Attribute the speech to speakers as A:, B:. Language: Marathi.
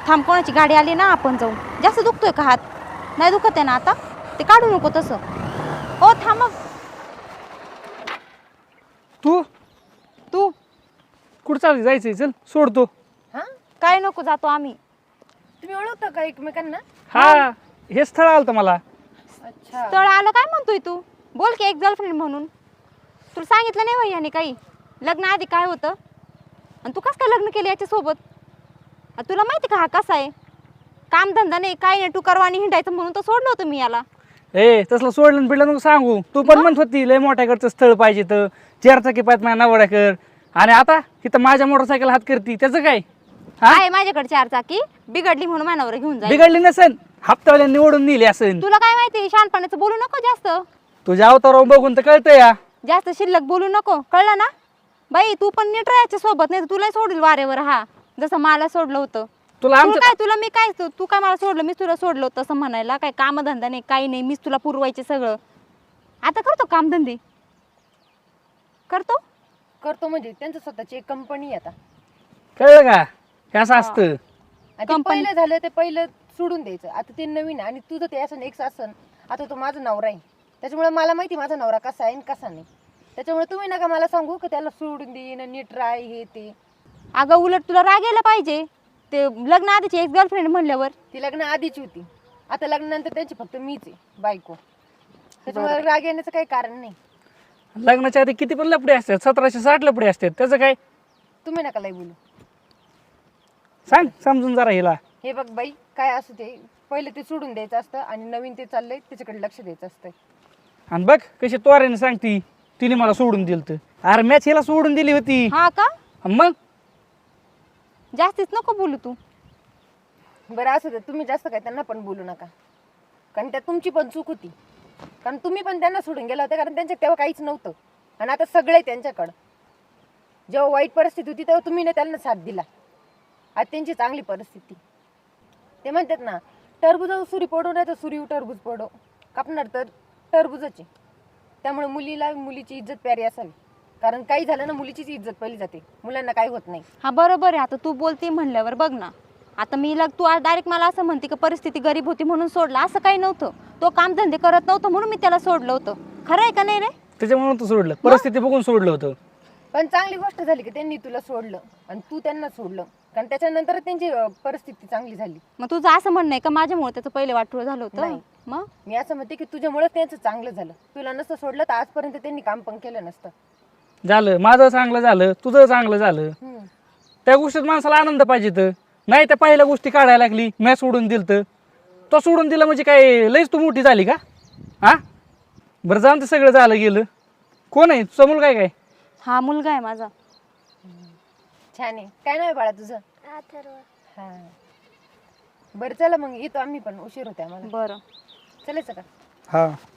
A: थांब, कोणाची गाडी आली ना, आपण जाऊ. जास्त दुखतोय का हात? नाही दुखत आहे ना आता? ते काढू नको तसं. ओ थांब मग.
B: तू
A: तू
B: कुठं चालली? जायचंय, चल सोडतो.
C: हा,
A: काय नको, जातो आम्ही.
C: तुम्ही ओळखता का एकमेकांना?
B: हा, हे स्थळ आलं मला.
C: अच्छा.
A: स्थळ आलं काय म्हणतोय तू? बोल की, एक गर्लफ्रेंड म्हणून. तुला सांगितलं नाही भैयाने काही? लग्न आधी काय होतं आणि तू कसं काय लग्न केलं याच्यासोबत? तुला माहिती का हा कसा आहे? कामधंदा नाही, काय नाही, तू करवानी हिंडायचं म्हणून तर सोडलं होतं मी याला.
B: ए, तसलं सोडलं पिडलं नको सांगू. तू पण म्हणत होती लय मोठ्याकडचं स्थळ पाहिजे, तर 4 चाकी पाहिजे माझ्या नवऱ्याकर. आणि आता इथं माझ्या मोटरसायकल हात करती, त्याचं काय?
A: आहे माझ्याकडे 4 चाकी, बिघडली म्हणून मानावर घेऊन जाईल.
B: बिघडली नसेल, हप्त्यावाल्या निवडून नेली असेल.
A: तुला काय माहिती? शहाणपणाचं बोलू नको जास्त.
B: तुझ्या अवतारावर बघून तर कळतं या.
A: जास्त शिल्लक बोलू नको, कळलं ना? बाई तू पण नीट राहायच्या सोबत, नाही तुला सोडील वारेवर. हा, जसं मला सोडलं होतं.
B: तुला आमच्या
A: काय तुला मी काय, तू काय मला सोडलं, मी तुला सोडलं होतं असं म्हणायला? काय कामधंदा नाही, काही नाही, मीच तुला पुरवायचे सगळं. आता करतो कामधंदे, करतो.
C: करतो म्हणजे त्यांचं स्वतःची एक कंपनी आता.
B: कळलं का? हे असं असतं.
C: आणि ते
A: Company.
C: पहिलं झालं ते पहिलं सोडून द्यायचं. आता ते नवीन आहे आणि तुझं ते असं नेक्स्ट असन. आता तो माझा नवरा आहे, त्याच्यामुळे मला माहिती माझा नवरा कसा आहे आणि कसा नाही. त्याच्यामुळे तुम्ही नका मला सांगू की त्याला सोडून देईन, नीट राय, हे ते.
A: अगं उलट तुला राग यायला पाहिजे. ते लग्न आधीची एक गर्लफ्रेंड म्हणल्यावर.
C: ती लग्न आधीची होती, आता लग्नानंतर त्यांची फक्त मीच आहे बायको. त्याच्यामुळे राग येण्याचं काही कारण नाही.
B: लग्नाच्या आधी किती पण लपडे असतात, 1760 लपडे असतात, त्याचं काय?
C: तुम्ही नका लय बोलू.
B: सांग समजून जरा हिला.
C: हे बघ बाई, काय असू ते पहिले ते सोडून द्यायचं असतं आणि नवीन ते चाललंय त्याच्याकडे लक्ष द्यायचं असतं.
B: आणि बघ कशी तोऱ्याने सांगती, तिने मला सोडून दिलं. तर अरे मॅच हिला सोडून दिली होती.
A: हा का?
B: मग
A: जास्तीच नको बोलू तू.
C: बरं असू दे, तुम्ही जास्त काय त्यांना पण बोलू नका, कारण त्यात तुमची पण चूक होती. कारण तुम्ही पण त्यांना सोडून गेला होता, कारण त्यांच्या तेव्हा काहीच नव्हतं आणि आता सगळे त्यांच्याकडं. जेव्हा वाईट परिस्थिती होती तेव्हा तुम्ही ना त्यांना साथ दिला. आज त्यांची चांगली परिस्थिती. ते म्हणतात ना, टरबूज सुरी पडो नाही तर सुरी टरबूज पडो, कापणार तर टरबूजच आहे. त्यामुळे मुलीला मुलीची इज्जत प्यारी असावी, कारण काही झालं ना मुलीचीच इज्जत पहिली जाते, मुलांना काही होत नाही.
A: हा बरोबर आहे. आता तू बोलती म्हणल्यावर बघ ना, आता मी तू आज डायरेक्ट मला असं म्हणते की परिस्थिती गरीब होती म्हणून सोडला, असं काही नव्हतं. तो कामधंदे करत नव्हतं म्हणून मी त्याला सोडलं होतं. खरं आहे का नाही रे?
B: त्याच्यामुळे तू सोडलं, परिस्थिती बघून सोडलं होतं.
C: पण चांगली गोष्ट झाली की त्यांनी तुला सोडलं आणि तू त्यांना सोडलं, कारण त्याच्यानंतर त्यांची परिस्थिती चांगली झाली.
A: मग तुझं असं म्हणणं आहे का माझ्यामुळे त्याचं पहिले वाटोळं झालं होतं?
C: नाही.
A: मग
C: मी असं म्हणते की तुझ्यामुळे त्यांचं चांगलं झालं. तुला नसतं सोडलं तर आजपर्यंत त्यांनी काम पण केलं नसतं.
B: झालं माझं चांगलं झालं, तुझं चांगलं झालं. त्या गोष्टीत माणसाला आनंद पाहिजे. तर नाही त्या पहिल्या गोष्टी काढायला लागली, मी सोडून दिलं तर तो सोडून दिला म्हणजे काय लईच तू मोठी झाली का? हा बरं, जाऊन ते सगळं झालं गेलं. कोण आहे तुझा मुलगा? काय
A: हा मुलगा आहे माझा.
C: छान आहे. काय नाव आहे बाळा तुझं? हा. बरं चला मग येतो आम्ही पण, उशीर होते आम्हाला.
A: बरं
C: चालायचं का?
B: हा